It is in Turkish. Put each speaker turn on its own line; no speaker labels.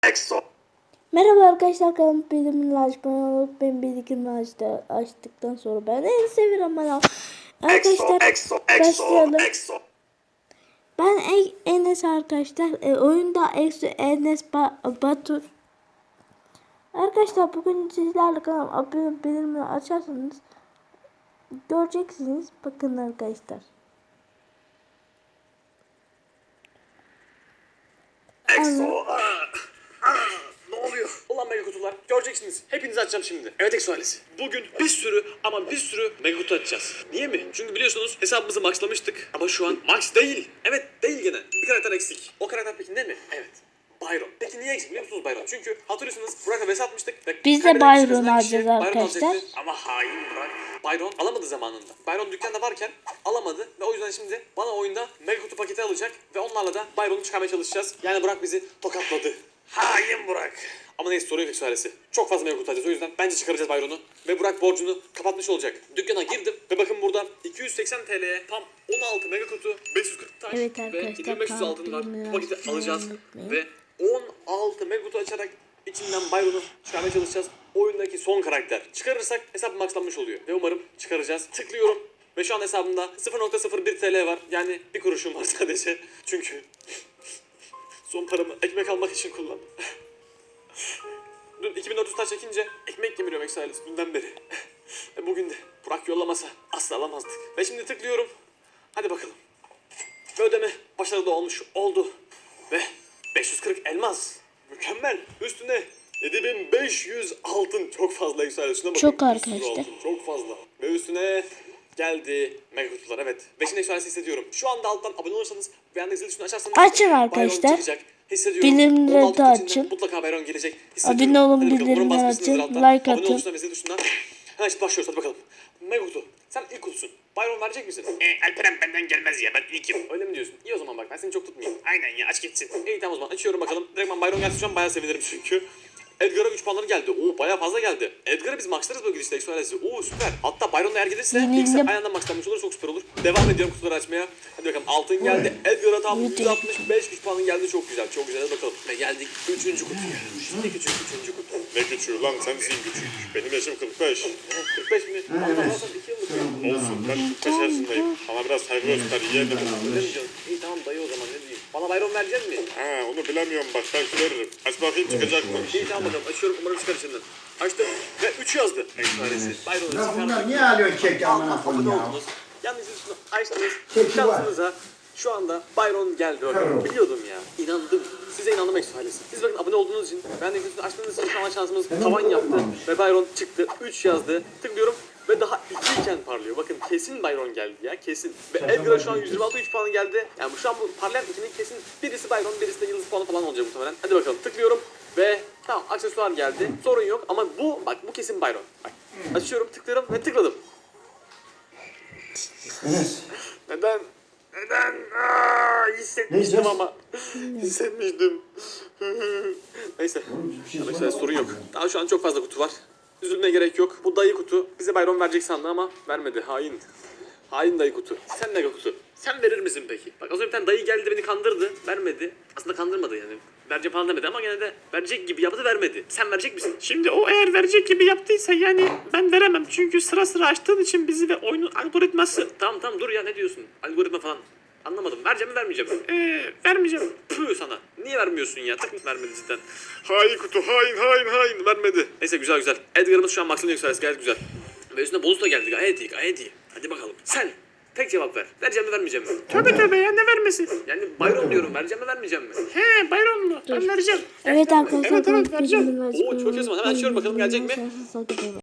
Merhaba arkadaşlar, kanalıma bildirimleri açmayı unutmayın. Bildirimleri açtıktan sonra ben en seviyorum bana. Arkadaşlar başlayalım. Ben Enes arkadaşlar. Oyunda Enes Batur. Arkadaşlar bugün sizlerle kanalıma bildirimleri açarsanız göreceksiniz. Bakın arkadaşlar.
Ne oluyor? Ulan mega kutular. Göreceksiniz. Hepinizi açacağım şimdi. Evet Exo ailesi. Bugün bir sürü mega kutu açacağız. Niye mi? Çünkü biliyorsunuz hesabımızı maxlamıştık. Ama şu an max değil. Evet değil gene. Bir karakter eksik. O karakter peki ne mi? Evet. Byron. Peki niye eksik biliyor musunuz Byron? Çünkü hatırlıyorsunuz Burak'a vs atmıştık.
Biz de Byron alacağız arkadaşlar.
Ama hain Burak. Byron alamadı zamanında. Byron dükkanda varken alamadı ve o yüzden şimdi bana oyunda mega kutu paketi alacak ve onlarla da Byron'u çıkarmaya çalışacağız. Yani Burak bizi tokatladı. Hain Burak. Ama neyse sorun yok ailesi. Çok fazla mega kutu alacağız. O yüzden bence çıkaracağız Byron'u. Ve Burak borcunu kapatmış olacak. Dükkana girdim ve bakın burada 280 TL'ye tam 16 mega kutu, 540 taş
evet
ve 2500 altın var. Bu paketi alacağız ve 16 mega kutu açarak içinden Byron'u çıkarmaya çalışacağız. Oyundaki son karakter. Çıkarırsak hesap maxlanmış oluyor. Ve umarım çıkaracağız. Tıklıyorum. Ve şu an hesabımda 0.01 TL var. Yani bir kuruşum var sadece. Çünkü son paramı ekmek almak için kullandım. Dün 2400 taş çekince ekmek yemiriyorum Exo ailesi dünden beri. Ve bugün de Burak yollamasa asla alamazdık. Ve şimdi tıklıyorum. Hadi bakalım. Ve ödeme başarılı oldu. Ve 540 elmas. Mükemmel. Üstüne 7500 altın. Çok fazla Exo ailesi. Bakın.
Çok arkadaşlar.
Çok fazla. Ve üstüne geldi mega kutular, evet. 5. Exo ailesi hissediyorum. Şu anda alttan abone olursanız ve yanındaki zil tuşunu açarsanız
açın arkadaşlar.
Hissediyorum.
Bildirimleri de açın.
Mutlaka Byron gelecek.
Abone olun, bildirimleri açın. Like atın.
Hemen şimdi başlıyoruz, hadi bakalım. Mega kutu. Sen ilk kutusun. Byron verecek misin?
Alperen benden gelmez ya, ben ilkim.
Öyle mi diyorsun? İyi o zaman bak, ben seni çok tutmayayım.
Aynen ya, aç geçsin.
İyi tamam o zaman açıyorum bakalım. Direktman Byron gelse şu an bayağı sevinirim çünkü. Edgar'a 3 puanları geldi. Oo bayağı fazla geldi. Edgar'ı biz maxlarız böyle gidişte Exo ailesi. Oo süper. Hatta Byron'la eğer gelirse ilk aynı anda maxlanmış olur, çok süper olur. Devam ediyorum kutuları açmaya. Hadi bakalım, altın geldi. Edgar'a tam 165 3 puanın geldi, çok güzel. Çok güzel, hadi bakalım. Ve geldik 3. kutuya. Şimdi küçük 3. kutu.
Ne küçüğü lan, sensin küçük. Benim yaşım 45.
45 mi? Allah Allah, 2 yıllık ya.
Olsun, ben 45 yaşındayım. Ama biraz saygı göster, yeğenim.
Öyle mi diyorsun? İyi tamam dayı o zaman, ne diyeyim. Bana Byron verecek mi?
Ha, onu bilemiyorum bak, belki veririm. Aç bakayım, çıkacak mı?
İyi tamam bakalım, açıyorum, umarım çıkar içinden. Açtım ve 3 yazdı. Exo ailesi. Byron'u
Ya
çıkardık.
bunlar niye alıyorsun kek amına koyayım
Abone
ya?
oldunuz. Yalnız şunu açtınız.
Çeki var.
Şansınıza şu anda Byron geldi öyle. Biliyordum ya. İnandım. Size inandım Exo ailesi. Siz bakın abone olduğunuz için, ben de üstünü açtığınız için şu an şansımız tavan yaptı. Ve Byron çıktı. 3 yazdı. Tıklıyorum. Ve daha 2 iken parlıyor. Bakın kesin Byron geldi ya, kesin. Ve Edgar'a şu an 126 3 puanı geldi. Yani şu an bu parlayan ikinin kesin birisi Byron, birisi de yıldız puanı falan olacak muhtemelen. Hadi bakalım, tıklıyorum ve tamam, aksesuar geldi. Sorun yok ama bu kesin Byron. Bak, açıyorum, tıklıyorum ve tıkladım. Neden? Hissetmiştim ama. Hissetmiştim. Neyse. Arkadaşlar sorun yok. Daha şu an çok fazla kutu var. Üzülmeye gerek yok. Bu dayı kutu bize Byron verecek sandı ama vermedi. Hain. Hain dayı kutu. Sen mega kutu. Sen verir misin peki? Bak az önce bir tane dayı geldi beni kandırdı. Vermedi. Aslında kandırmadı yani. Vereceğim falan demedi ama gene de verecek gibi yaptı, vermedi. Sen verecek misin?
Şimdi o eğer verecek gibi yaptıysa yani ben veremem. Çünkü sıra sıra açtığın için bizi ve oyunun algoritması.
Tamam dur ya, ne diyorsun? Algoritma falan. Anlamadım. Vereceğim mi vermeyeceğim mi?
Vermeyeceğim.
Püh sana. Niye vermiyorsun ya? Tık vermedi cidden.
Hain kutu, hain.
Vermedi. Neyse güzel. Edgar'ımız şu an maksimum yükselsi, gayet güzel. Ve üstüne bonus da geldi, gayet iyi. Hadi bakalım. Sen tek cevap ver. Vereceğim mi vermeyeceğim mi?
Tövbe ya, ne vermesi?
Yani Byron diyorum, vereceğim mi vermeyeceğim mi?
He, Byron'lu. Ben vereceğim.
Evet arkadaşlar,
Evet, vereceğim.
bildirimleri
Oo çok iyi o zaman, hemen açıyorum bakalım gelecek mi?
açmayı